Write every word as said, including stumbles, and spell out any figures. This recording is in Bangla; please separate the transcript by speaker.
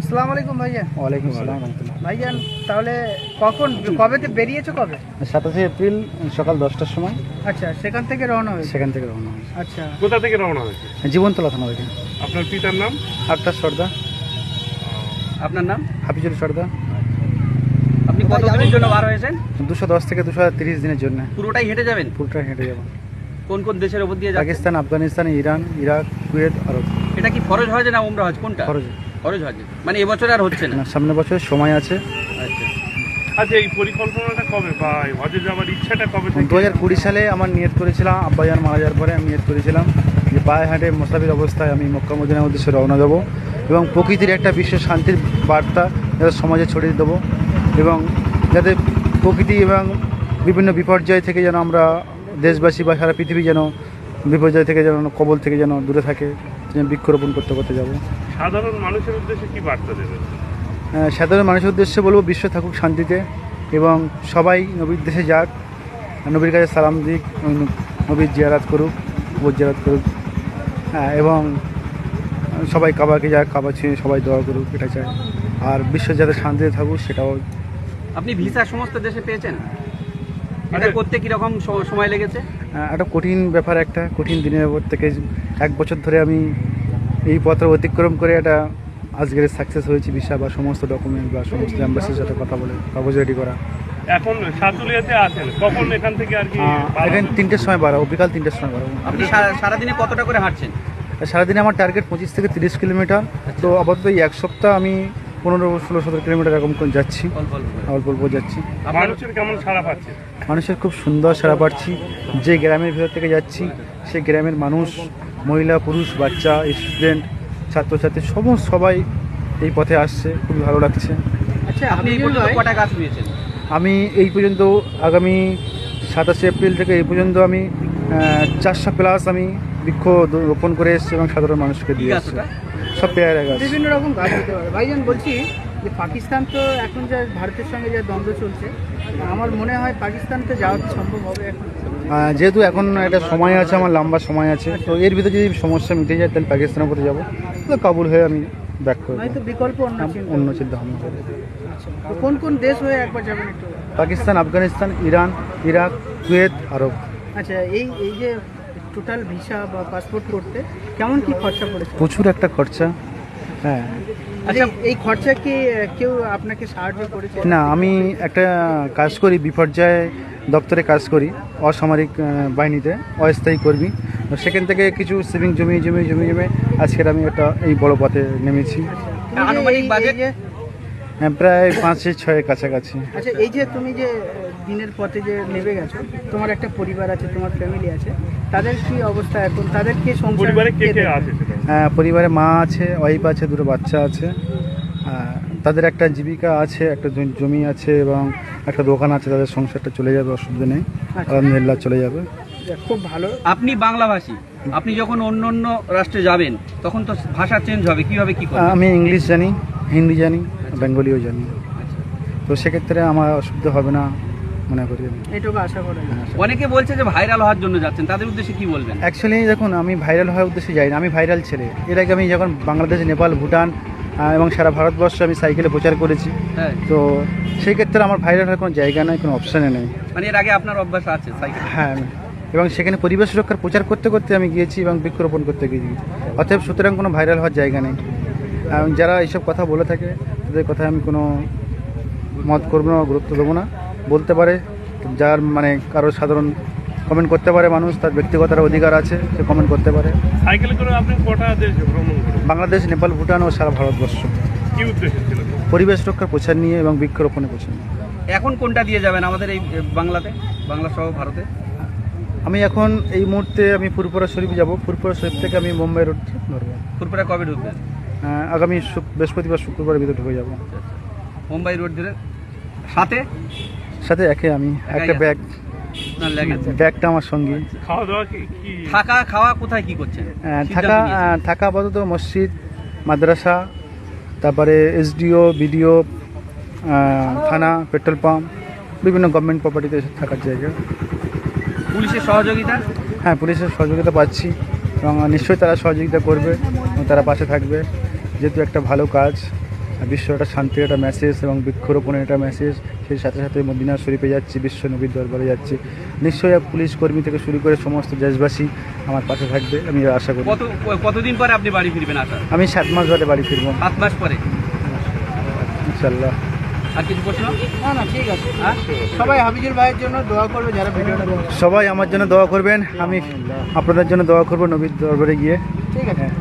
Speaker 1: আসসালামু আলাইকুম ভাইয়া।
Speaker 2: ওয়ালাইকুম আসসালাম রহমতুল্লাহ।
Speaker 1: ভাইজান তাহলে কখন কবেতে বেরিয়েছো কবে?
Speaker 2: সাতাশে এপ্রিল সকাল দশটার সময়
Speaker 1: আচ্ছা, সেখান থেকে রওনা হয়েছে।
Speaker 2: সেখান থেকে রওনা হয়েছে।
Speaker 1: আচ্ছা,
Speaker 3: কোথা থেকে রওনা হয়েছে?
Speaker 2: জীবনতলা থানা থেকে।
Speaker 3: আপনার পিতার নাম?
Speaker 2: আক্তার সর্দার।
Speaker 4: আপনার নাম?
Speaker 2: হাফিজুল সর্দার।
Speaker 4: আপনি কতদিনের জন্য বার হয়েছেন?
Speaker 2: দুশো দশ থেকে দুশো তিরিশ দিনের জন্য।
Speaker 4: পুরোটাই হেঁটে যাবেন?
Speaker 2: পুরোটা হেঁটে যাবো।
Speaker 4: কোন কোন দেশের উপর দিয়ে যাবেন?
Speaker 2: Pakistan, Afghanistan, Iran, Iraq, Kuwait, Arab.
Speaker 4: এটা কি ফরজ হজ না উমরা হজ, কোনটা?
Speaker 2: খরচ
Speaker 4: ফরজ হজ, মানে এবছর আর হচ্ছে না?
Speaker 2: না, সামনের বছর সময় আছে।
Speaker 4: আচ্ছা,
Speaker 3: আচ্ছা, এই পরিকল্পনাটা কবে বা এই হজে যাওয়ার ইচ্ছাটা কবে থেকে?
Speaker 2: দু হাজার কুড়ি সালে আমার নিয়ত করেছিলাম, আব্বাজান মারা যাওয়ার পরে আমি নিয়ত করেছিলাম যে পায়ে হাঁটে মোসাফির অবস্থায় আমি মক্কা মদিনার উদ্দেশ্যে রওনা দেবো এবং প্রকৃতির একটা বিশ্ব শান্তির বার্তা যাতে সমাজে ছড়িয়ে দেবো এবং যাতে প্রকৃতি এবং বিভিন্ন বিপর্যয় থেকে যেন আমরা দেশবাসী বা সারা পৃথিবী যেন বিপর্যয় থেকে যেন কবল থেকে যেন দূরে থাকে, যেন বৃক্ষরোপণ করতে করতে যাব।
Speaker 3: সাধারণ মানুষের উদ্দেশ্যে কি বার্তা দেবেন?
Speaker 2: আহ, সাধারণ মানুষের উদ্দেশ্যে বলবো বিশ্ব থাকুক শান্তিতে এবং সবাই নবীর দেশে যাক, নবীর কাছে সালাম দিক, নবীর জিয়ারাত করুক, কবর জিয়ারাত করুক, হ্যাঁ, এবং সবাই কাবাকে যাক, কাবা ছুঁয়ে সবাই দোয়া করুক, এটা চাই। আর বিশ্ব যাতে শান্তিতে থাকুক সেটাও।
Speaker 4: আপনি ভিসা সমস্ত দেশে পেয়েছেন? এটা করতে কিরকম স- সময় লেগেছে?
Speaker 2: আহ, একটা কঠিন ব্যাপার, একটা কঠিন দিনের উপর থেকে এক বছর ধরে আমি এই পত্র অতিক্রম করে একটা আজকের সাকসেস হয়েছি ভিসা বা সমস্ত ডকুমেন্ট বা সমস্ত অ্যাম্বাসির সাথে কথা বলে কাগজ রেডি করা।
Speaker 3: এখন সাতুলিয়াতে আছেন, কখন এখান থেকে আর কি?
Speaker 2: আহ, এখানে তিনটের সময় বাড়াবো, বিকাল তিনটের সময় বাড়াবো।
Speaker 4: আপনি সারা- সারাদিনে কতটা করে হাঁটছেন?
Speaker 2: সারাদিনে আমার টার্গেট পঁচিশ থেকে তিরিশ কিলোমিটার। তো আপাতত এই এক সপ্তাহ আমি পনেরো ষোলো সতেরো কিলোমিটার এরকম করে যাচ্ছি,
Speaker 4: অল্প অল্প করে।
Speaker 2: অল্প অল্প যাচ্ছি।
Speaker 4: আপনার
Speaker 3: মানুষের কেমন সাড়া পাচ্ছে?
Speaker 2: মানুষের খুব সুন্দর সাড়া পাচ্ছি। যে গ্রামের ভিতর থেকে যাচ্ছি সেই গ্রামের মানুষ, মহিলা, পুরুষ, বাচ্চা, স্টুডেন্ট, ছাত্রছাত্রী সমস্ত সবাই এই পথে আসছে, খুবই ভালো লাগছে।
Speaker 1: আচ্ছা,
Speaker 4: আপনি এই পর্যন্ত কটা গাছ রুয়েছেন?
Speaker 2: আমি এই পর্যন্ত আগামী সাতাশে এপ্রিল থেকে এই পর্যন্ত আমি চারশো প্লাস আমি বৃক্ষ রোপণ করে এসেছি এবং সাধারণ মানুষকে
Speaker 4: কি
Speaker 2: দিয়ে
Speaker 4: গাছ
Speaker 2: এসেছি।
Speaker 4: ওটা?
Speaker 2: সব পেয়ারা গাছ।
Speaker 1: বিভিন্ন রকম গাছ হতে পারে। ভাইজান বলছি যে পাকিস্তান তো এখন যা ভারতের সঙ্গে যা দ্বন্দ্ব চলছে, আমার মনে হয় পাকিস্তানতে যাওয়া কি সম্ভব হবে এখন?
Speaker 2: আহ, যেহেতু এখন একটা সময় আছে, আমার লম্বা সময় আছে, তো এর ভিতরে যদি সমস্যা মিটে যায় তাহলে পাকিস্তানের উপরে যাবো, তো কাবুল হয়ে আমি ব্যাক করবো।
Speaker 1: হয়তো বিকল্প অন্য চিন্তা।
Speaker 2: অন্য চিন্তা ভাবনা করে।
Speaker 1: আচ্ছা, তো কোন কোন দেশ হয়ে একবার যাবেন একটু?
Speaker 2: Pakistan, Afghanistan, Iran, Iraq, Kuwait, Arab.
Speaker 1: আচ্ছা, এই এই যে টোটাল ভিসা বা পাসপোর্ট করতে কেমন কি খরচা পড়েছে?
Speaker 2: প্রচুর একটা খরচা। হ্যাঁ,
Speaker 1: আচ্ছা, এই খরচা কি আহ, কেউ আপনাকে সাহায্য করেছে?
Speaker 2: না, আমি একটা কাজ করি, বিপর্যয় দপ্তরে কাজ করি, অসামরিক আহ, বাহিনীতে অস্থায়ী কর্মী। তো সেখান থেকে কিছু সেভিং জমি জমি জমি জমে আজকের আমি একটা এই বড় পথে নেমেছি।
Speaker 1: তুমি যে
Speaker 4: আনুমানিক
Speaker 1: এই-
Speaker 4: বাজেট?
Speaker 1: এই যে-
Speaker 2: হ্যাঁ, প্রায় পাঁচে ছয়ের কাছাকাছি।
Speaker 1: আচ্ছা, এই যে তুমি যে আহ, দিনের পথে যে নেমে গেছো, তোমার একটা পরিবার আছে, তোমার ফ্যামিলি আছে, তাদের কি অবস্থা এখন? তাদের কি সংসার
Speaker 3: পরিবারে কে কে
Speaker 1: দেখবে?
Speaker 3: আছে সেটা?
Speaker 2: হ্যাঁ, পরিবারে মা আছে, ওয়াইফ আছে, দুটো বাচ্চা আছে। আহ, তাদের একটা জীবিকা আছে, একটা জ- জমি আছে এবং একটা দোকান আছে, তাদের সংসারটা চলে যাবে, অসুবিধা নেই, আলহামদুলিল্লাহ চলে যাবে।
Speaker 1: যাক, খুব ভালো।
Speaker 4: আপনি বাংলাভাষী, আপনি যখন অন্য অন্য রাষ্ট্রে যাবেন তখন তো ভাষা চেঞ্জ হবে, কিভাবে কি
Speaker 2: আহ,
Speaker 4: করবেন?
Speaker 2: আমি ইংলিশ জানি, হিন্দি জানি, বেঙ্গলিও জানি, তো সেক্ষেত্রে আমার অসুবিধা হবে না মনে করি আমি।
Speaker 1: এইটুকু আশা করা যায়।
Speaker 4: অনেকে বলছে যে ভাইরাল হওয়ার জন্য যাচ্ছেন, তাদের উদ্দেশ্যে কি বলবেন?
Speaker 2: অ্যাকচুয়ালি দেখুন, আমি ভাইরাল হওয়ার উদ্দেশ্যে যাই না, আমি ভাইরাল ছেলে। এর আগে আমি যখন বাংলাদেশ, নেপাল, ভুটান আহ, এবং সারা ভারতবর্ষে আমি সাইকেলে প্রচার করেছি,
Speaker 4: হ্যাঁ,
Speaker 2: তো সেই ক্ষেত্রে আমার ভাইরাল হওয়ার কোনো জায়গা নেই, কোনো অপশানে নেই।
Speaker 4: মানে এর আগে আপনার অভ্যাস আছে সাইকেল?
Speaker 2: হ্যাঁ, আমি- এবং সেখানে পরিবেশ রক্ষার প্রচার করতে করতে আমি গিয়েছি এবং বৃক্ষরোপণ করতে গিয়েছি, অতএব সুতরাং কোনো ভাইরাল হওয়ার জায়গা নেই। এবং যারা এইসব কথা বলে থাকে তাদের কথায় আমি কোনো মত করবো না, গুরুত্ব দেবো না। বলতে পারে, যার মানে কারো সাধারণ কমেন্ট করতে পারে, মানুষ তার ব্যক্তিগত অধিকার আছে, সে কমেন্ট করতে পারে।
Speaker 3: সাইকেলে করে আপনি কটা দেশ ভ্রমণ করেন?
Speaker 2: বাংলাদেশ, নেপাল, ভুটান ও সারা ভারতবর্ষ
Speaker 3: কি উদ্দেশ্য ছিল?
Speaker 2: পরিবেশ রক্ষার প্রচার নিয়ে এবং বৃক্ষরোপণের প্রচার নিয়ে।
Speaker 4: এখন কোনটা দিয়ে যাবেন আমাদের এই এ, বাংলাতে, বাংলা সহ ভারতে?
Speaker 2: আমি এখন এই মুহূর্তে আমি ফুরপুরা শরীফ যাব, ফুরপুরা শরীফ থেকে আমি মুম্বাই রোড ধরবো।
Speaker 4: ফুরপুরা কবে ঢুকবেন?
Speaker 2: আহ, আগামী শুক- বৃহস্পতিবার শুক্রবারের ভিতরে ঢুকে যাব।
Speaker 4: মুম্বাই রোড ধরে সাথে
Speaker 2: সাথে একে আমি একটা
Speaker 4: একাই
Speaker 2: ব্যাগ,
Speaker 4: না লাগেজ?
Speaker 2: ব্যাগটা আমার সঙ্গে।
Speaker 3: খাওয়া দাওয়া কি কি?
Speaker 4: থাকা খাওয়া কোথায় কি করছেন?
Speaker 2: আহ,
Speaker 4: সিদ্ধান্ত
Speaker 2: থাকা
Speaker 4: নিয়েছেন?
Speaker 2: আহ, থাকা আপাতত মসজিদ, মাদ্রাসা, তারপরে এসডিও, বিডিও, থানা, পেট্রোল পাম্প, বিভিন্ন গভর্নমেন্ট প্রপার্টিতে থাকার জায়গা।
Speaker 4: পুলিশের সহযোগিতা?
Speaker 2: হ্যাঁ, পুলিশের সহযোগিতা পাচ্ছি এবং নিশ্চয়ই তারা সহযোগিতা করবে এবং তারা পাশে থাকবে, যেহেতু একটা ভালো কাজ বিশ্ব একটা শান্তির একটা মেসেজ এবং বৃক্ষরোপণের একটা মেসেজ। সেই সাথে সাথে মদিনা শরীফে যাচ্ছি, বিশ্ব নবীর দরবারে যাচ্ছি। নিশ্চয়ই পুলিশ কর্মী থেকে শুরু করে সমস্ত দেশবাসী আমার পাশে থাকবে, আমি আশা করি।
Speaker 4: কত কতদিন পরে আপনি বাড়ি ফিরবেন আশা?
Speaker 2: আমি সাত মাস বাদে বাড়ি ফিরবো
Speaker 4: সাত মাস পরে।
Speaker 2: ইনশাল্লাহ।
Speaker 4: আর কিছু প্রশ্ন?
Speaker 1: না না ঠিক আছে, হ্যাঁ সবাই হাফিজুল ভাইয়ের জন্য দোয়া করবে যারা ভিডিওটা দেখছে।
Speaker 2: সবাই আমার জন্য দোয়া করবেন, আমি আপনাদের জন্য দোয়া করবো নবীর দরবারে গিয়ে।
Speaker 1: ঠিক আছে।
Speaker 2: হ্যাঁ।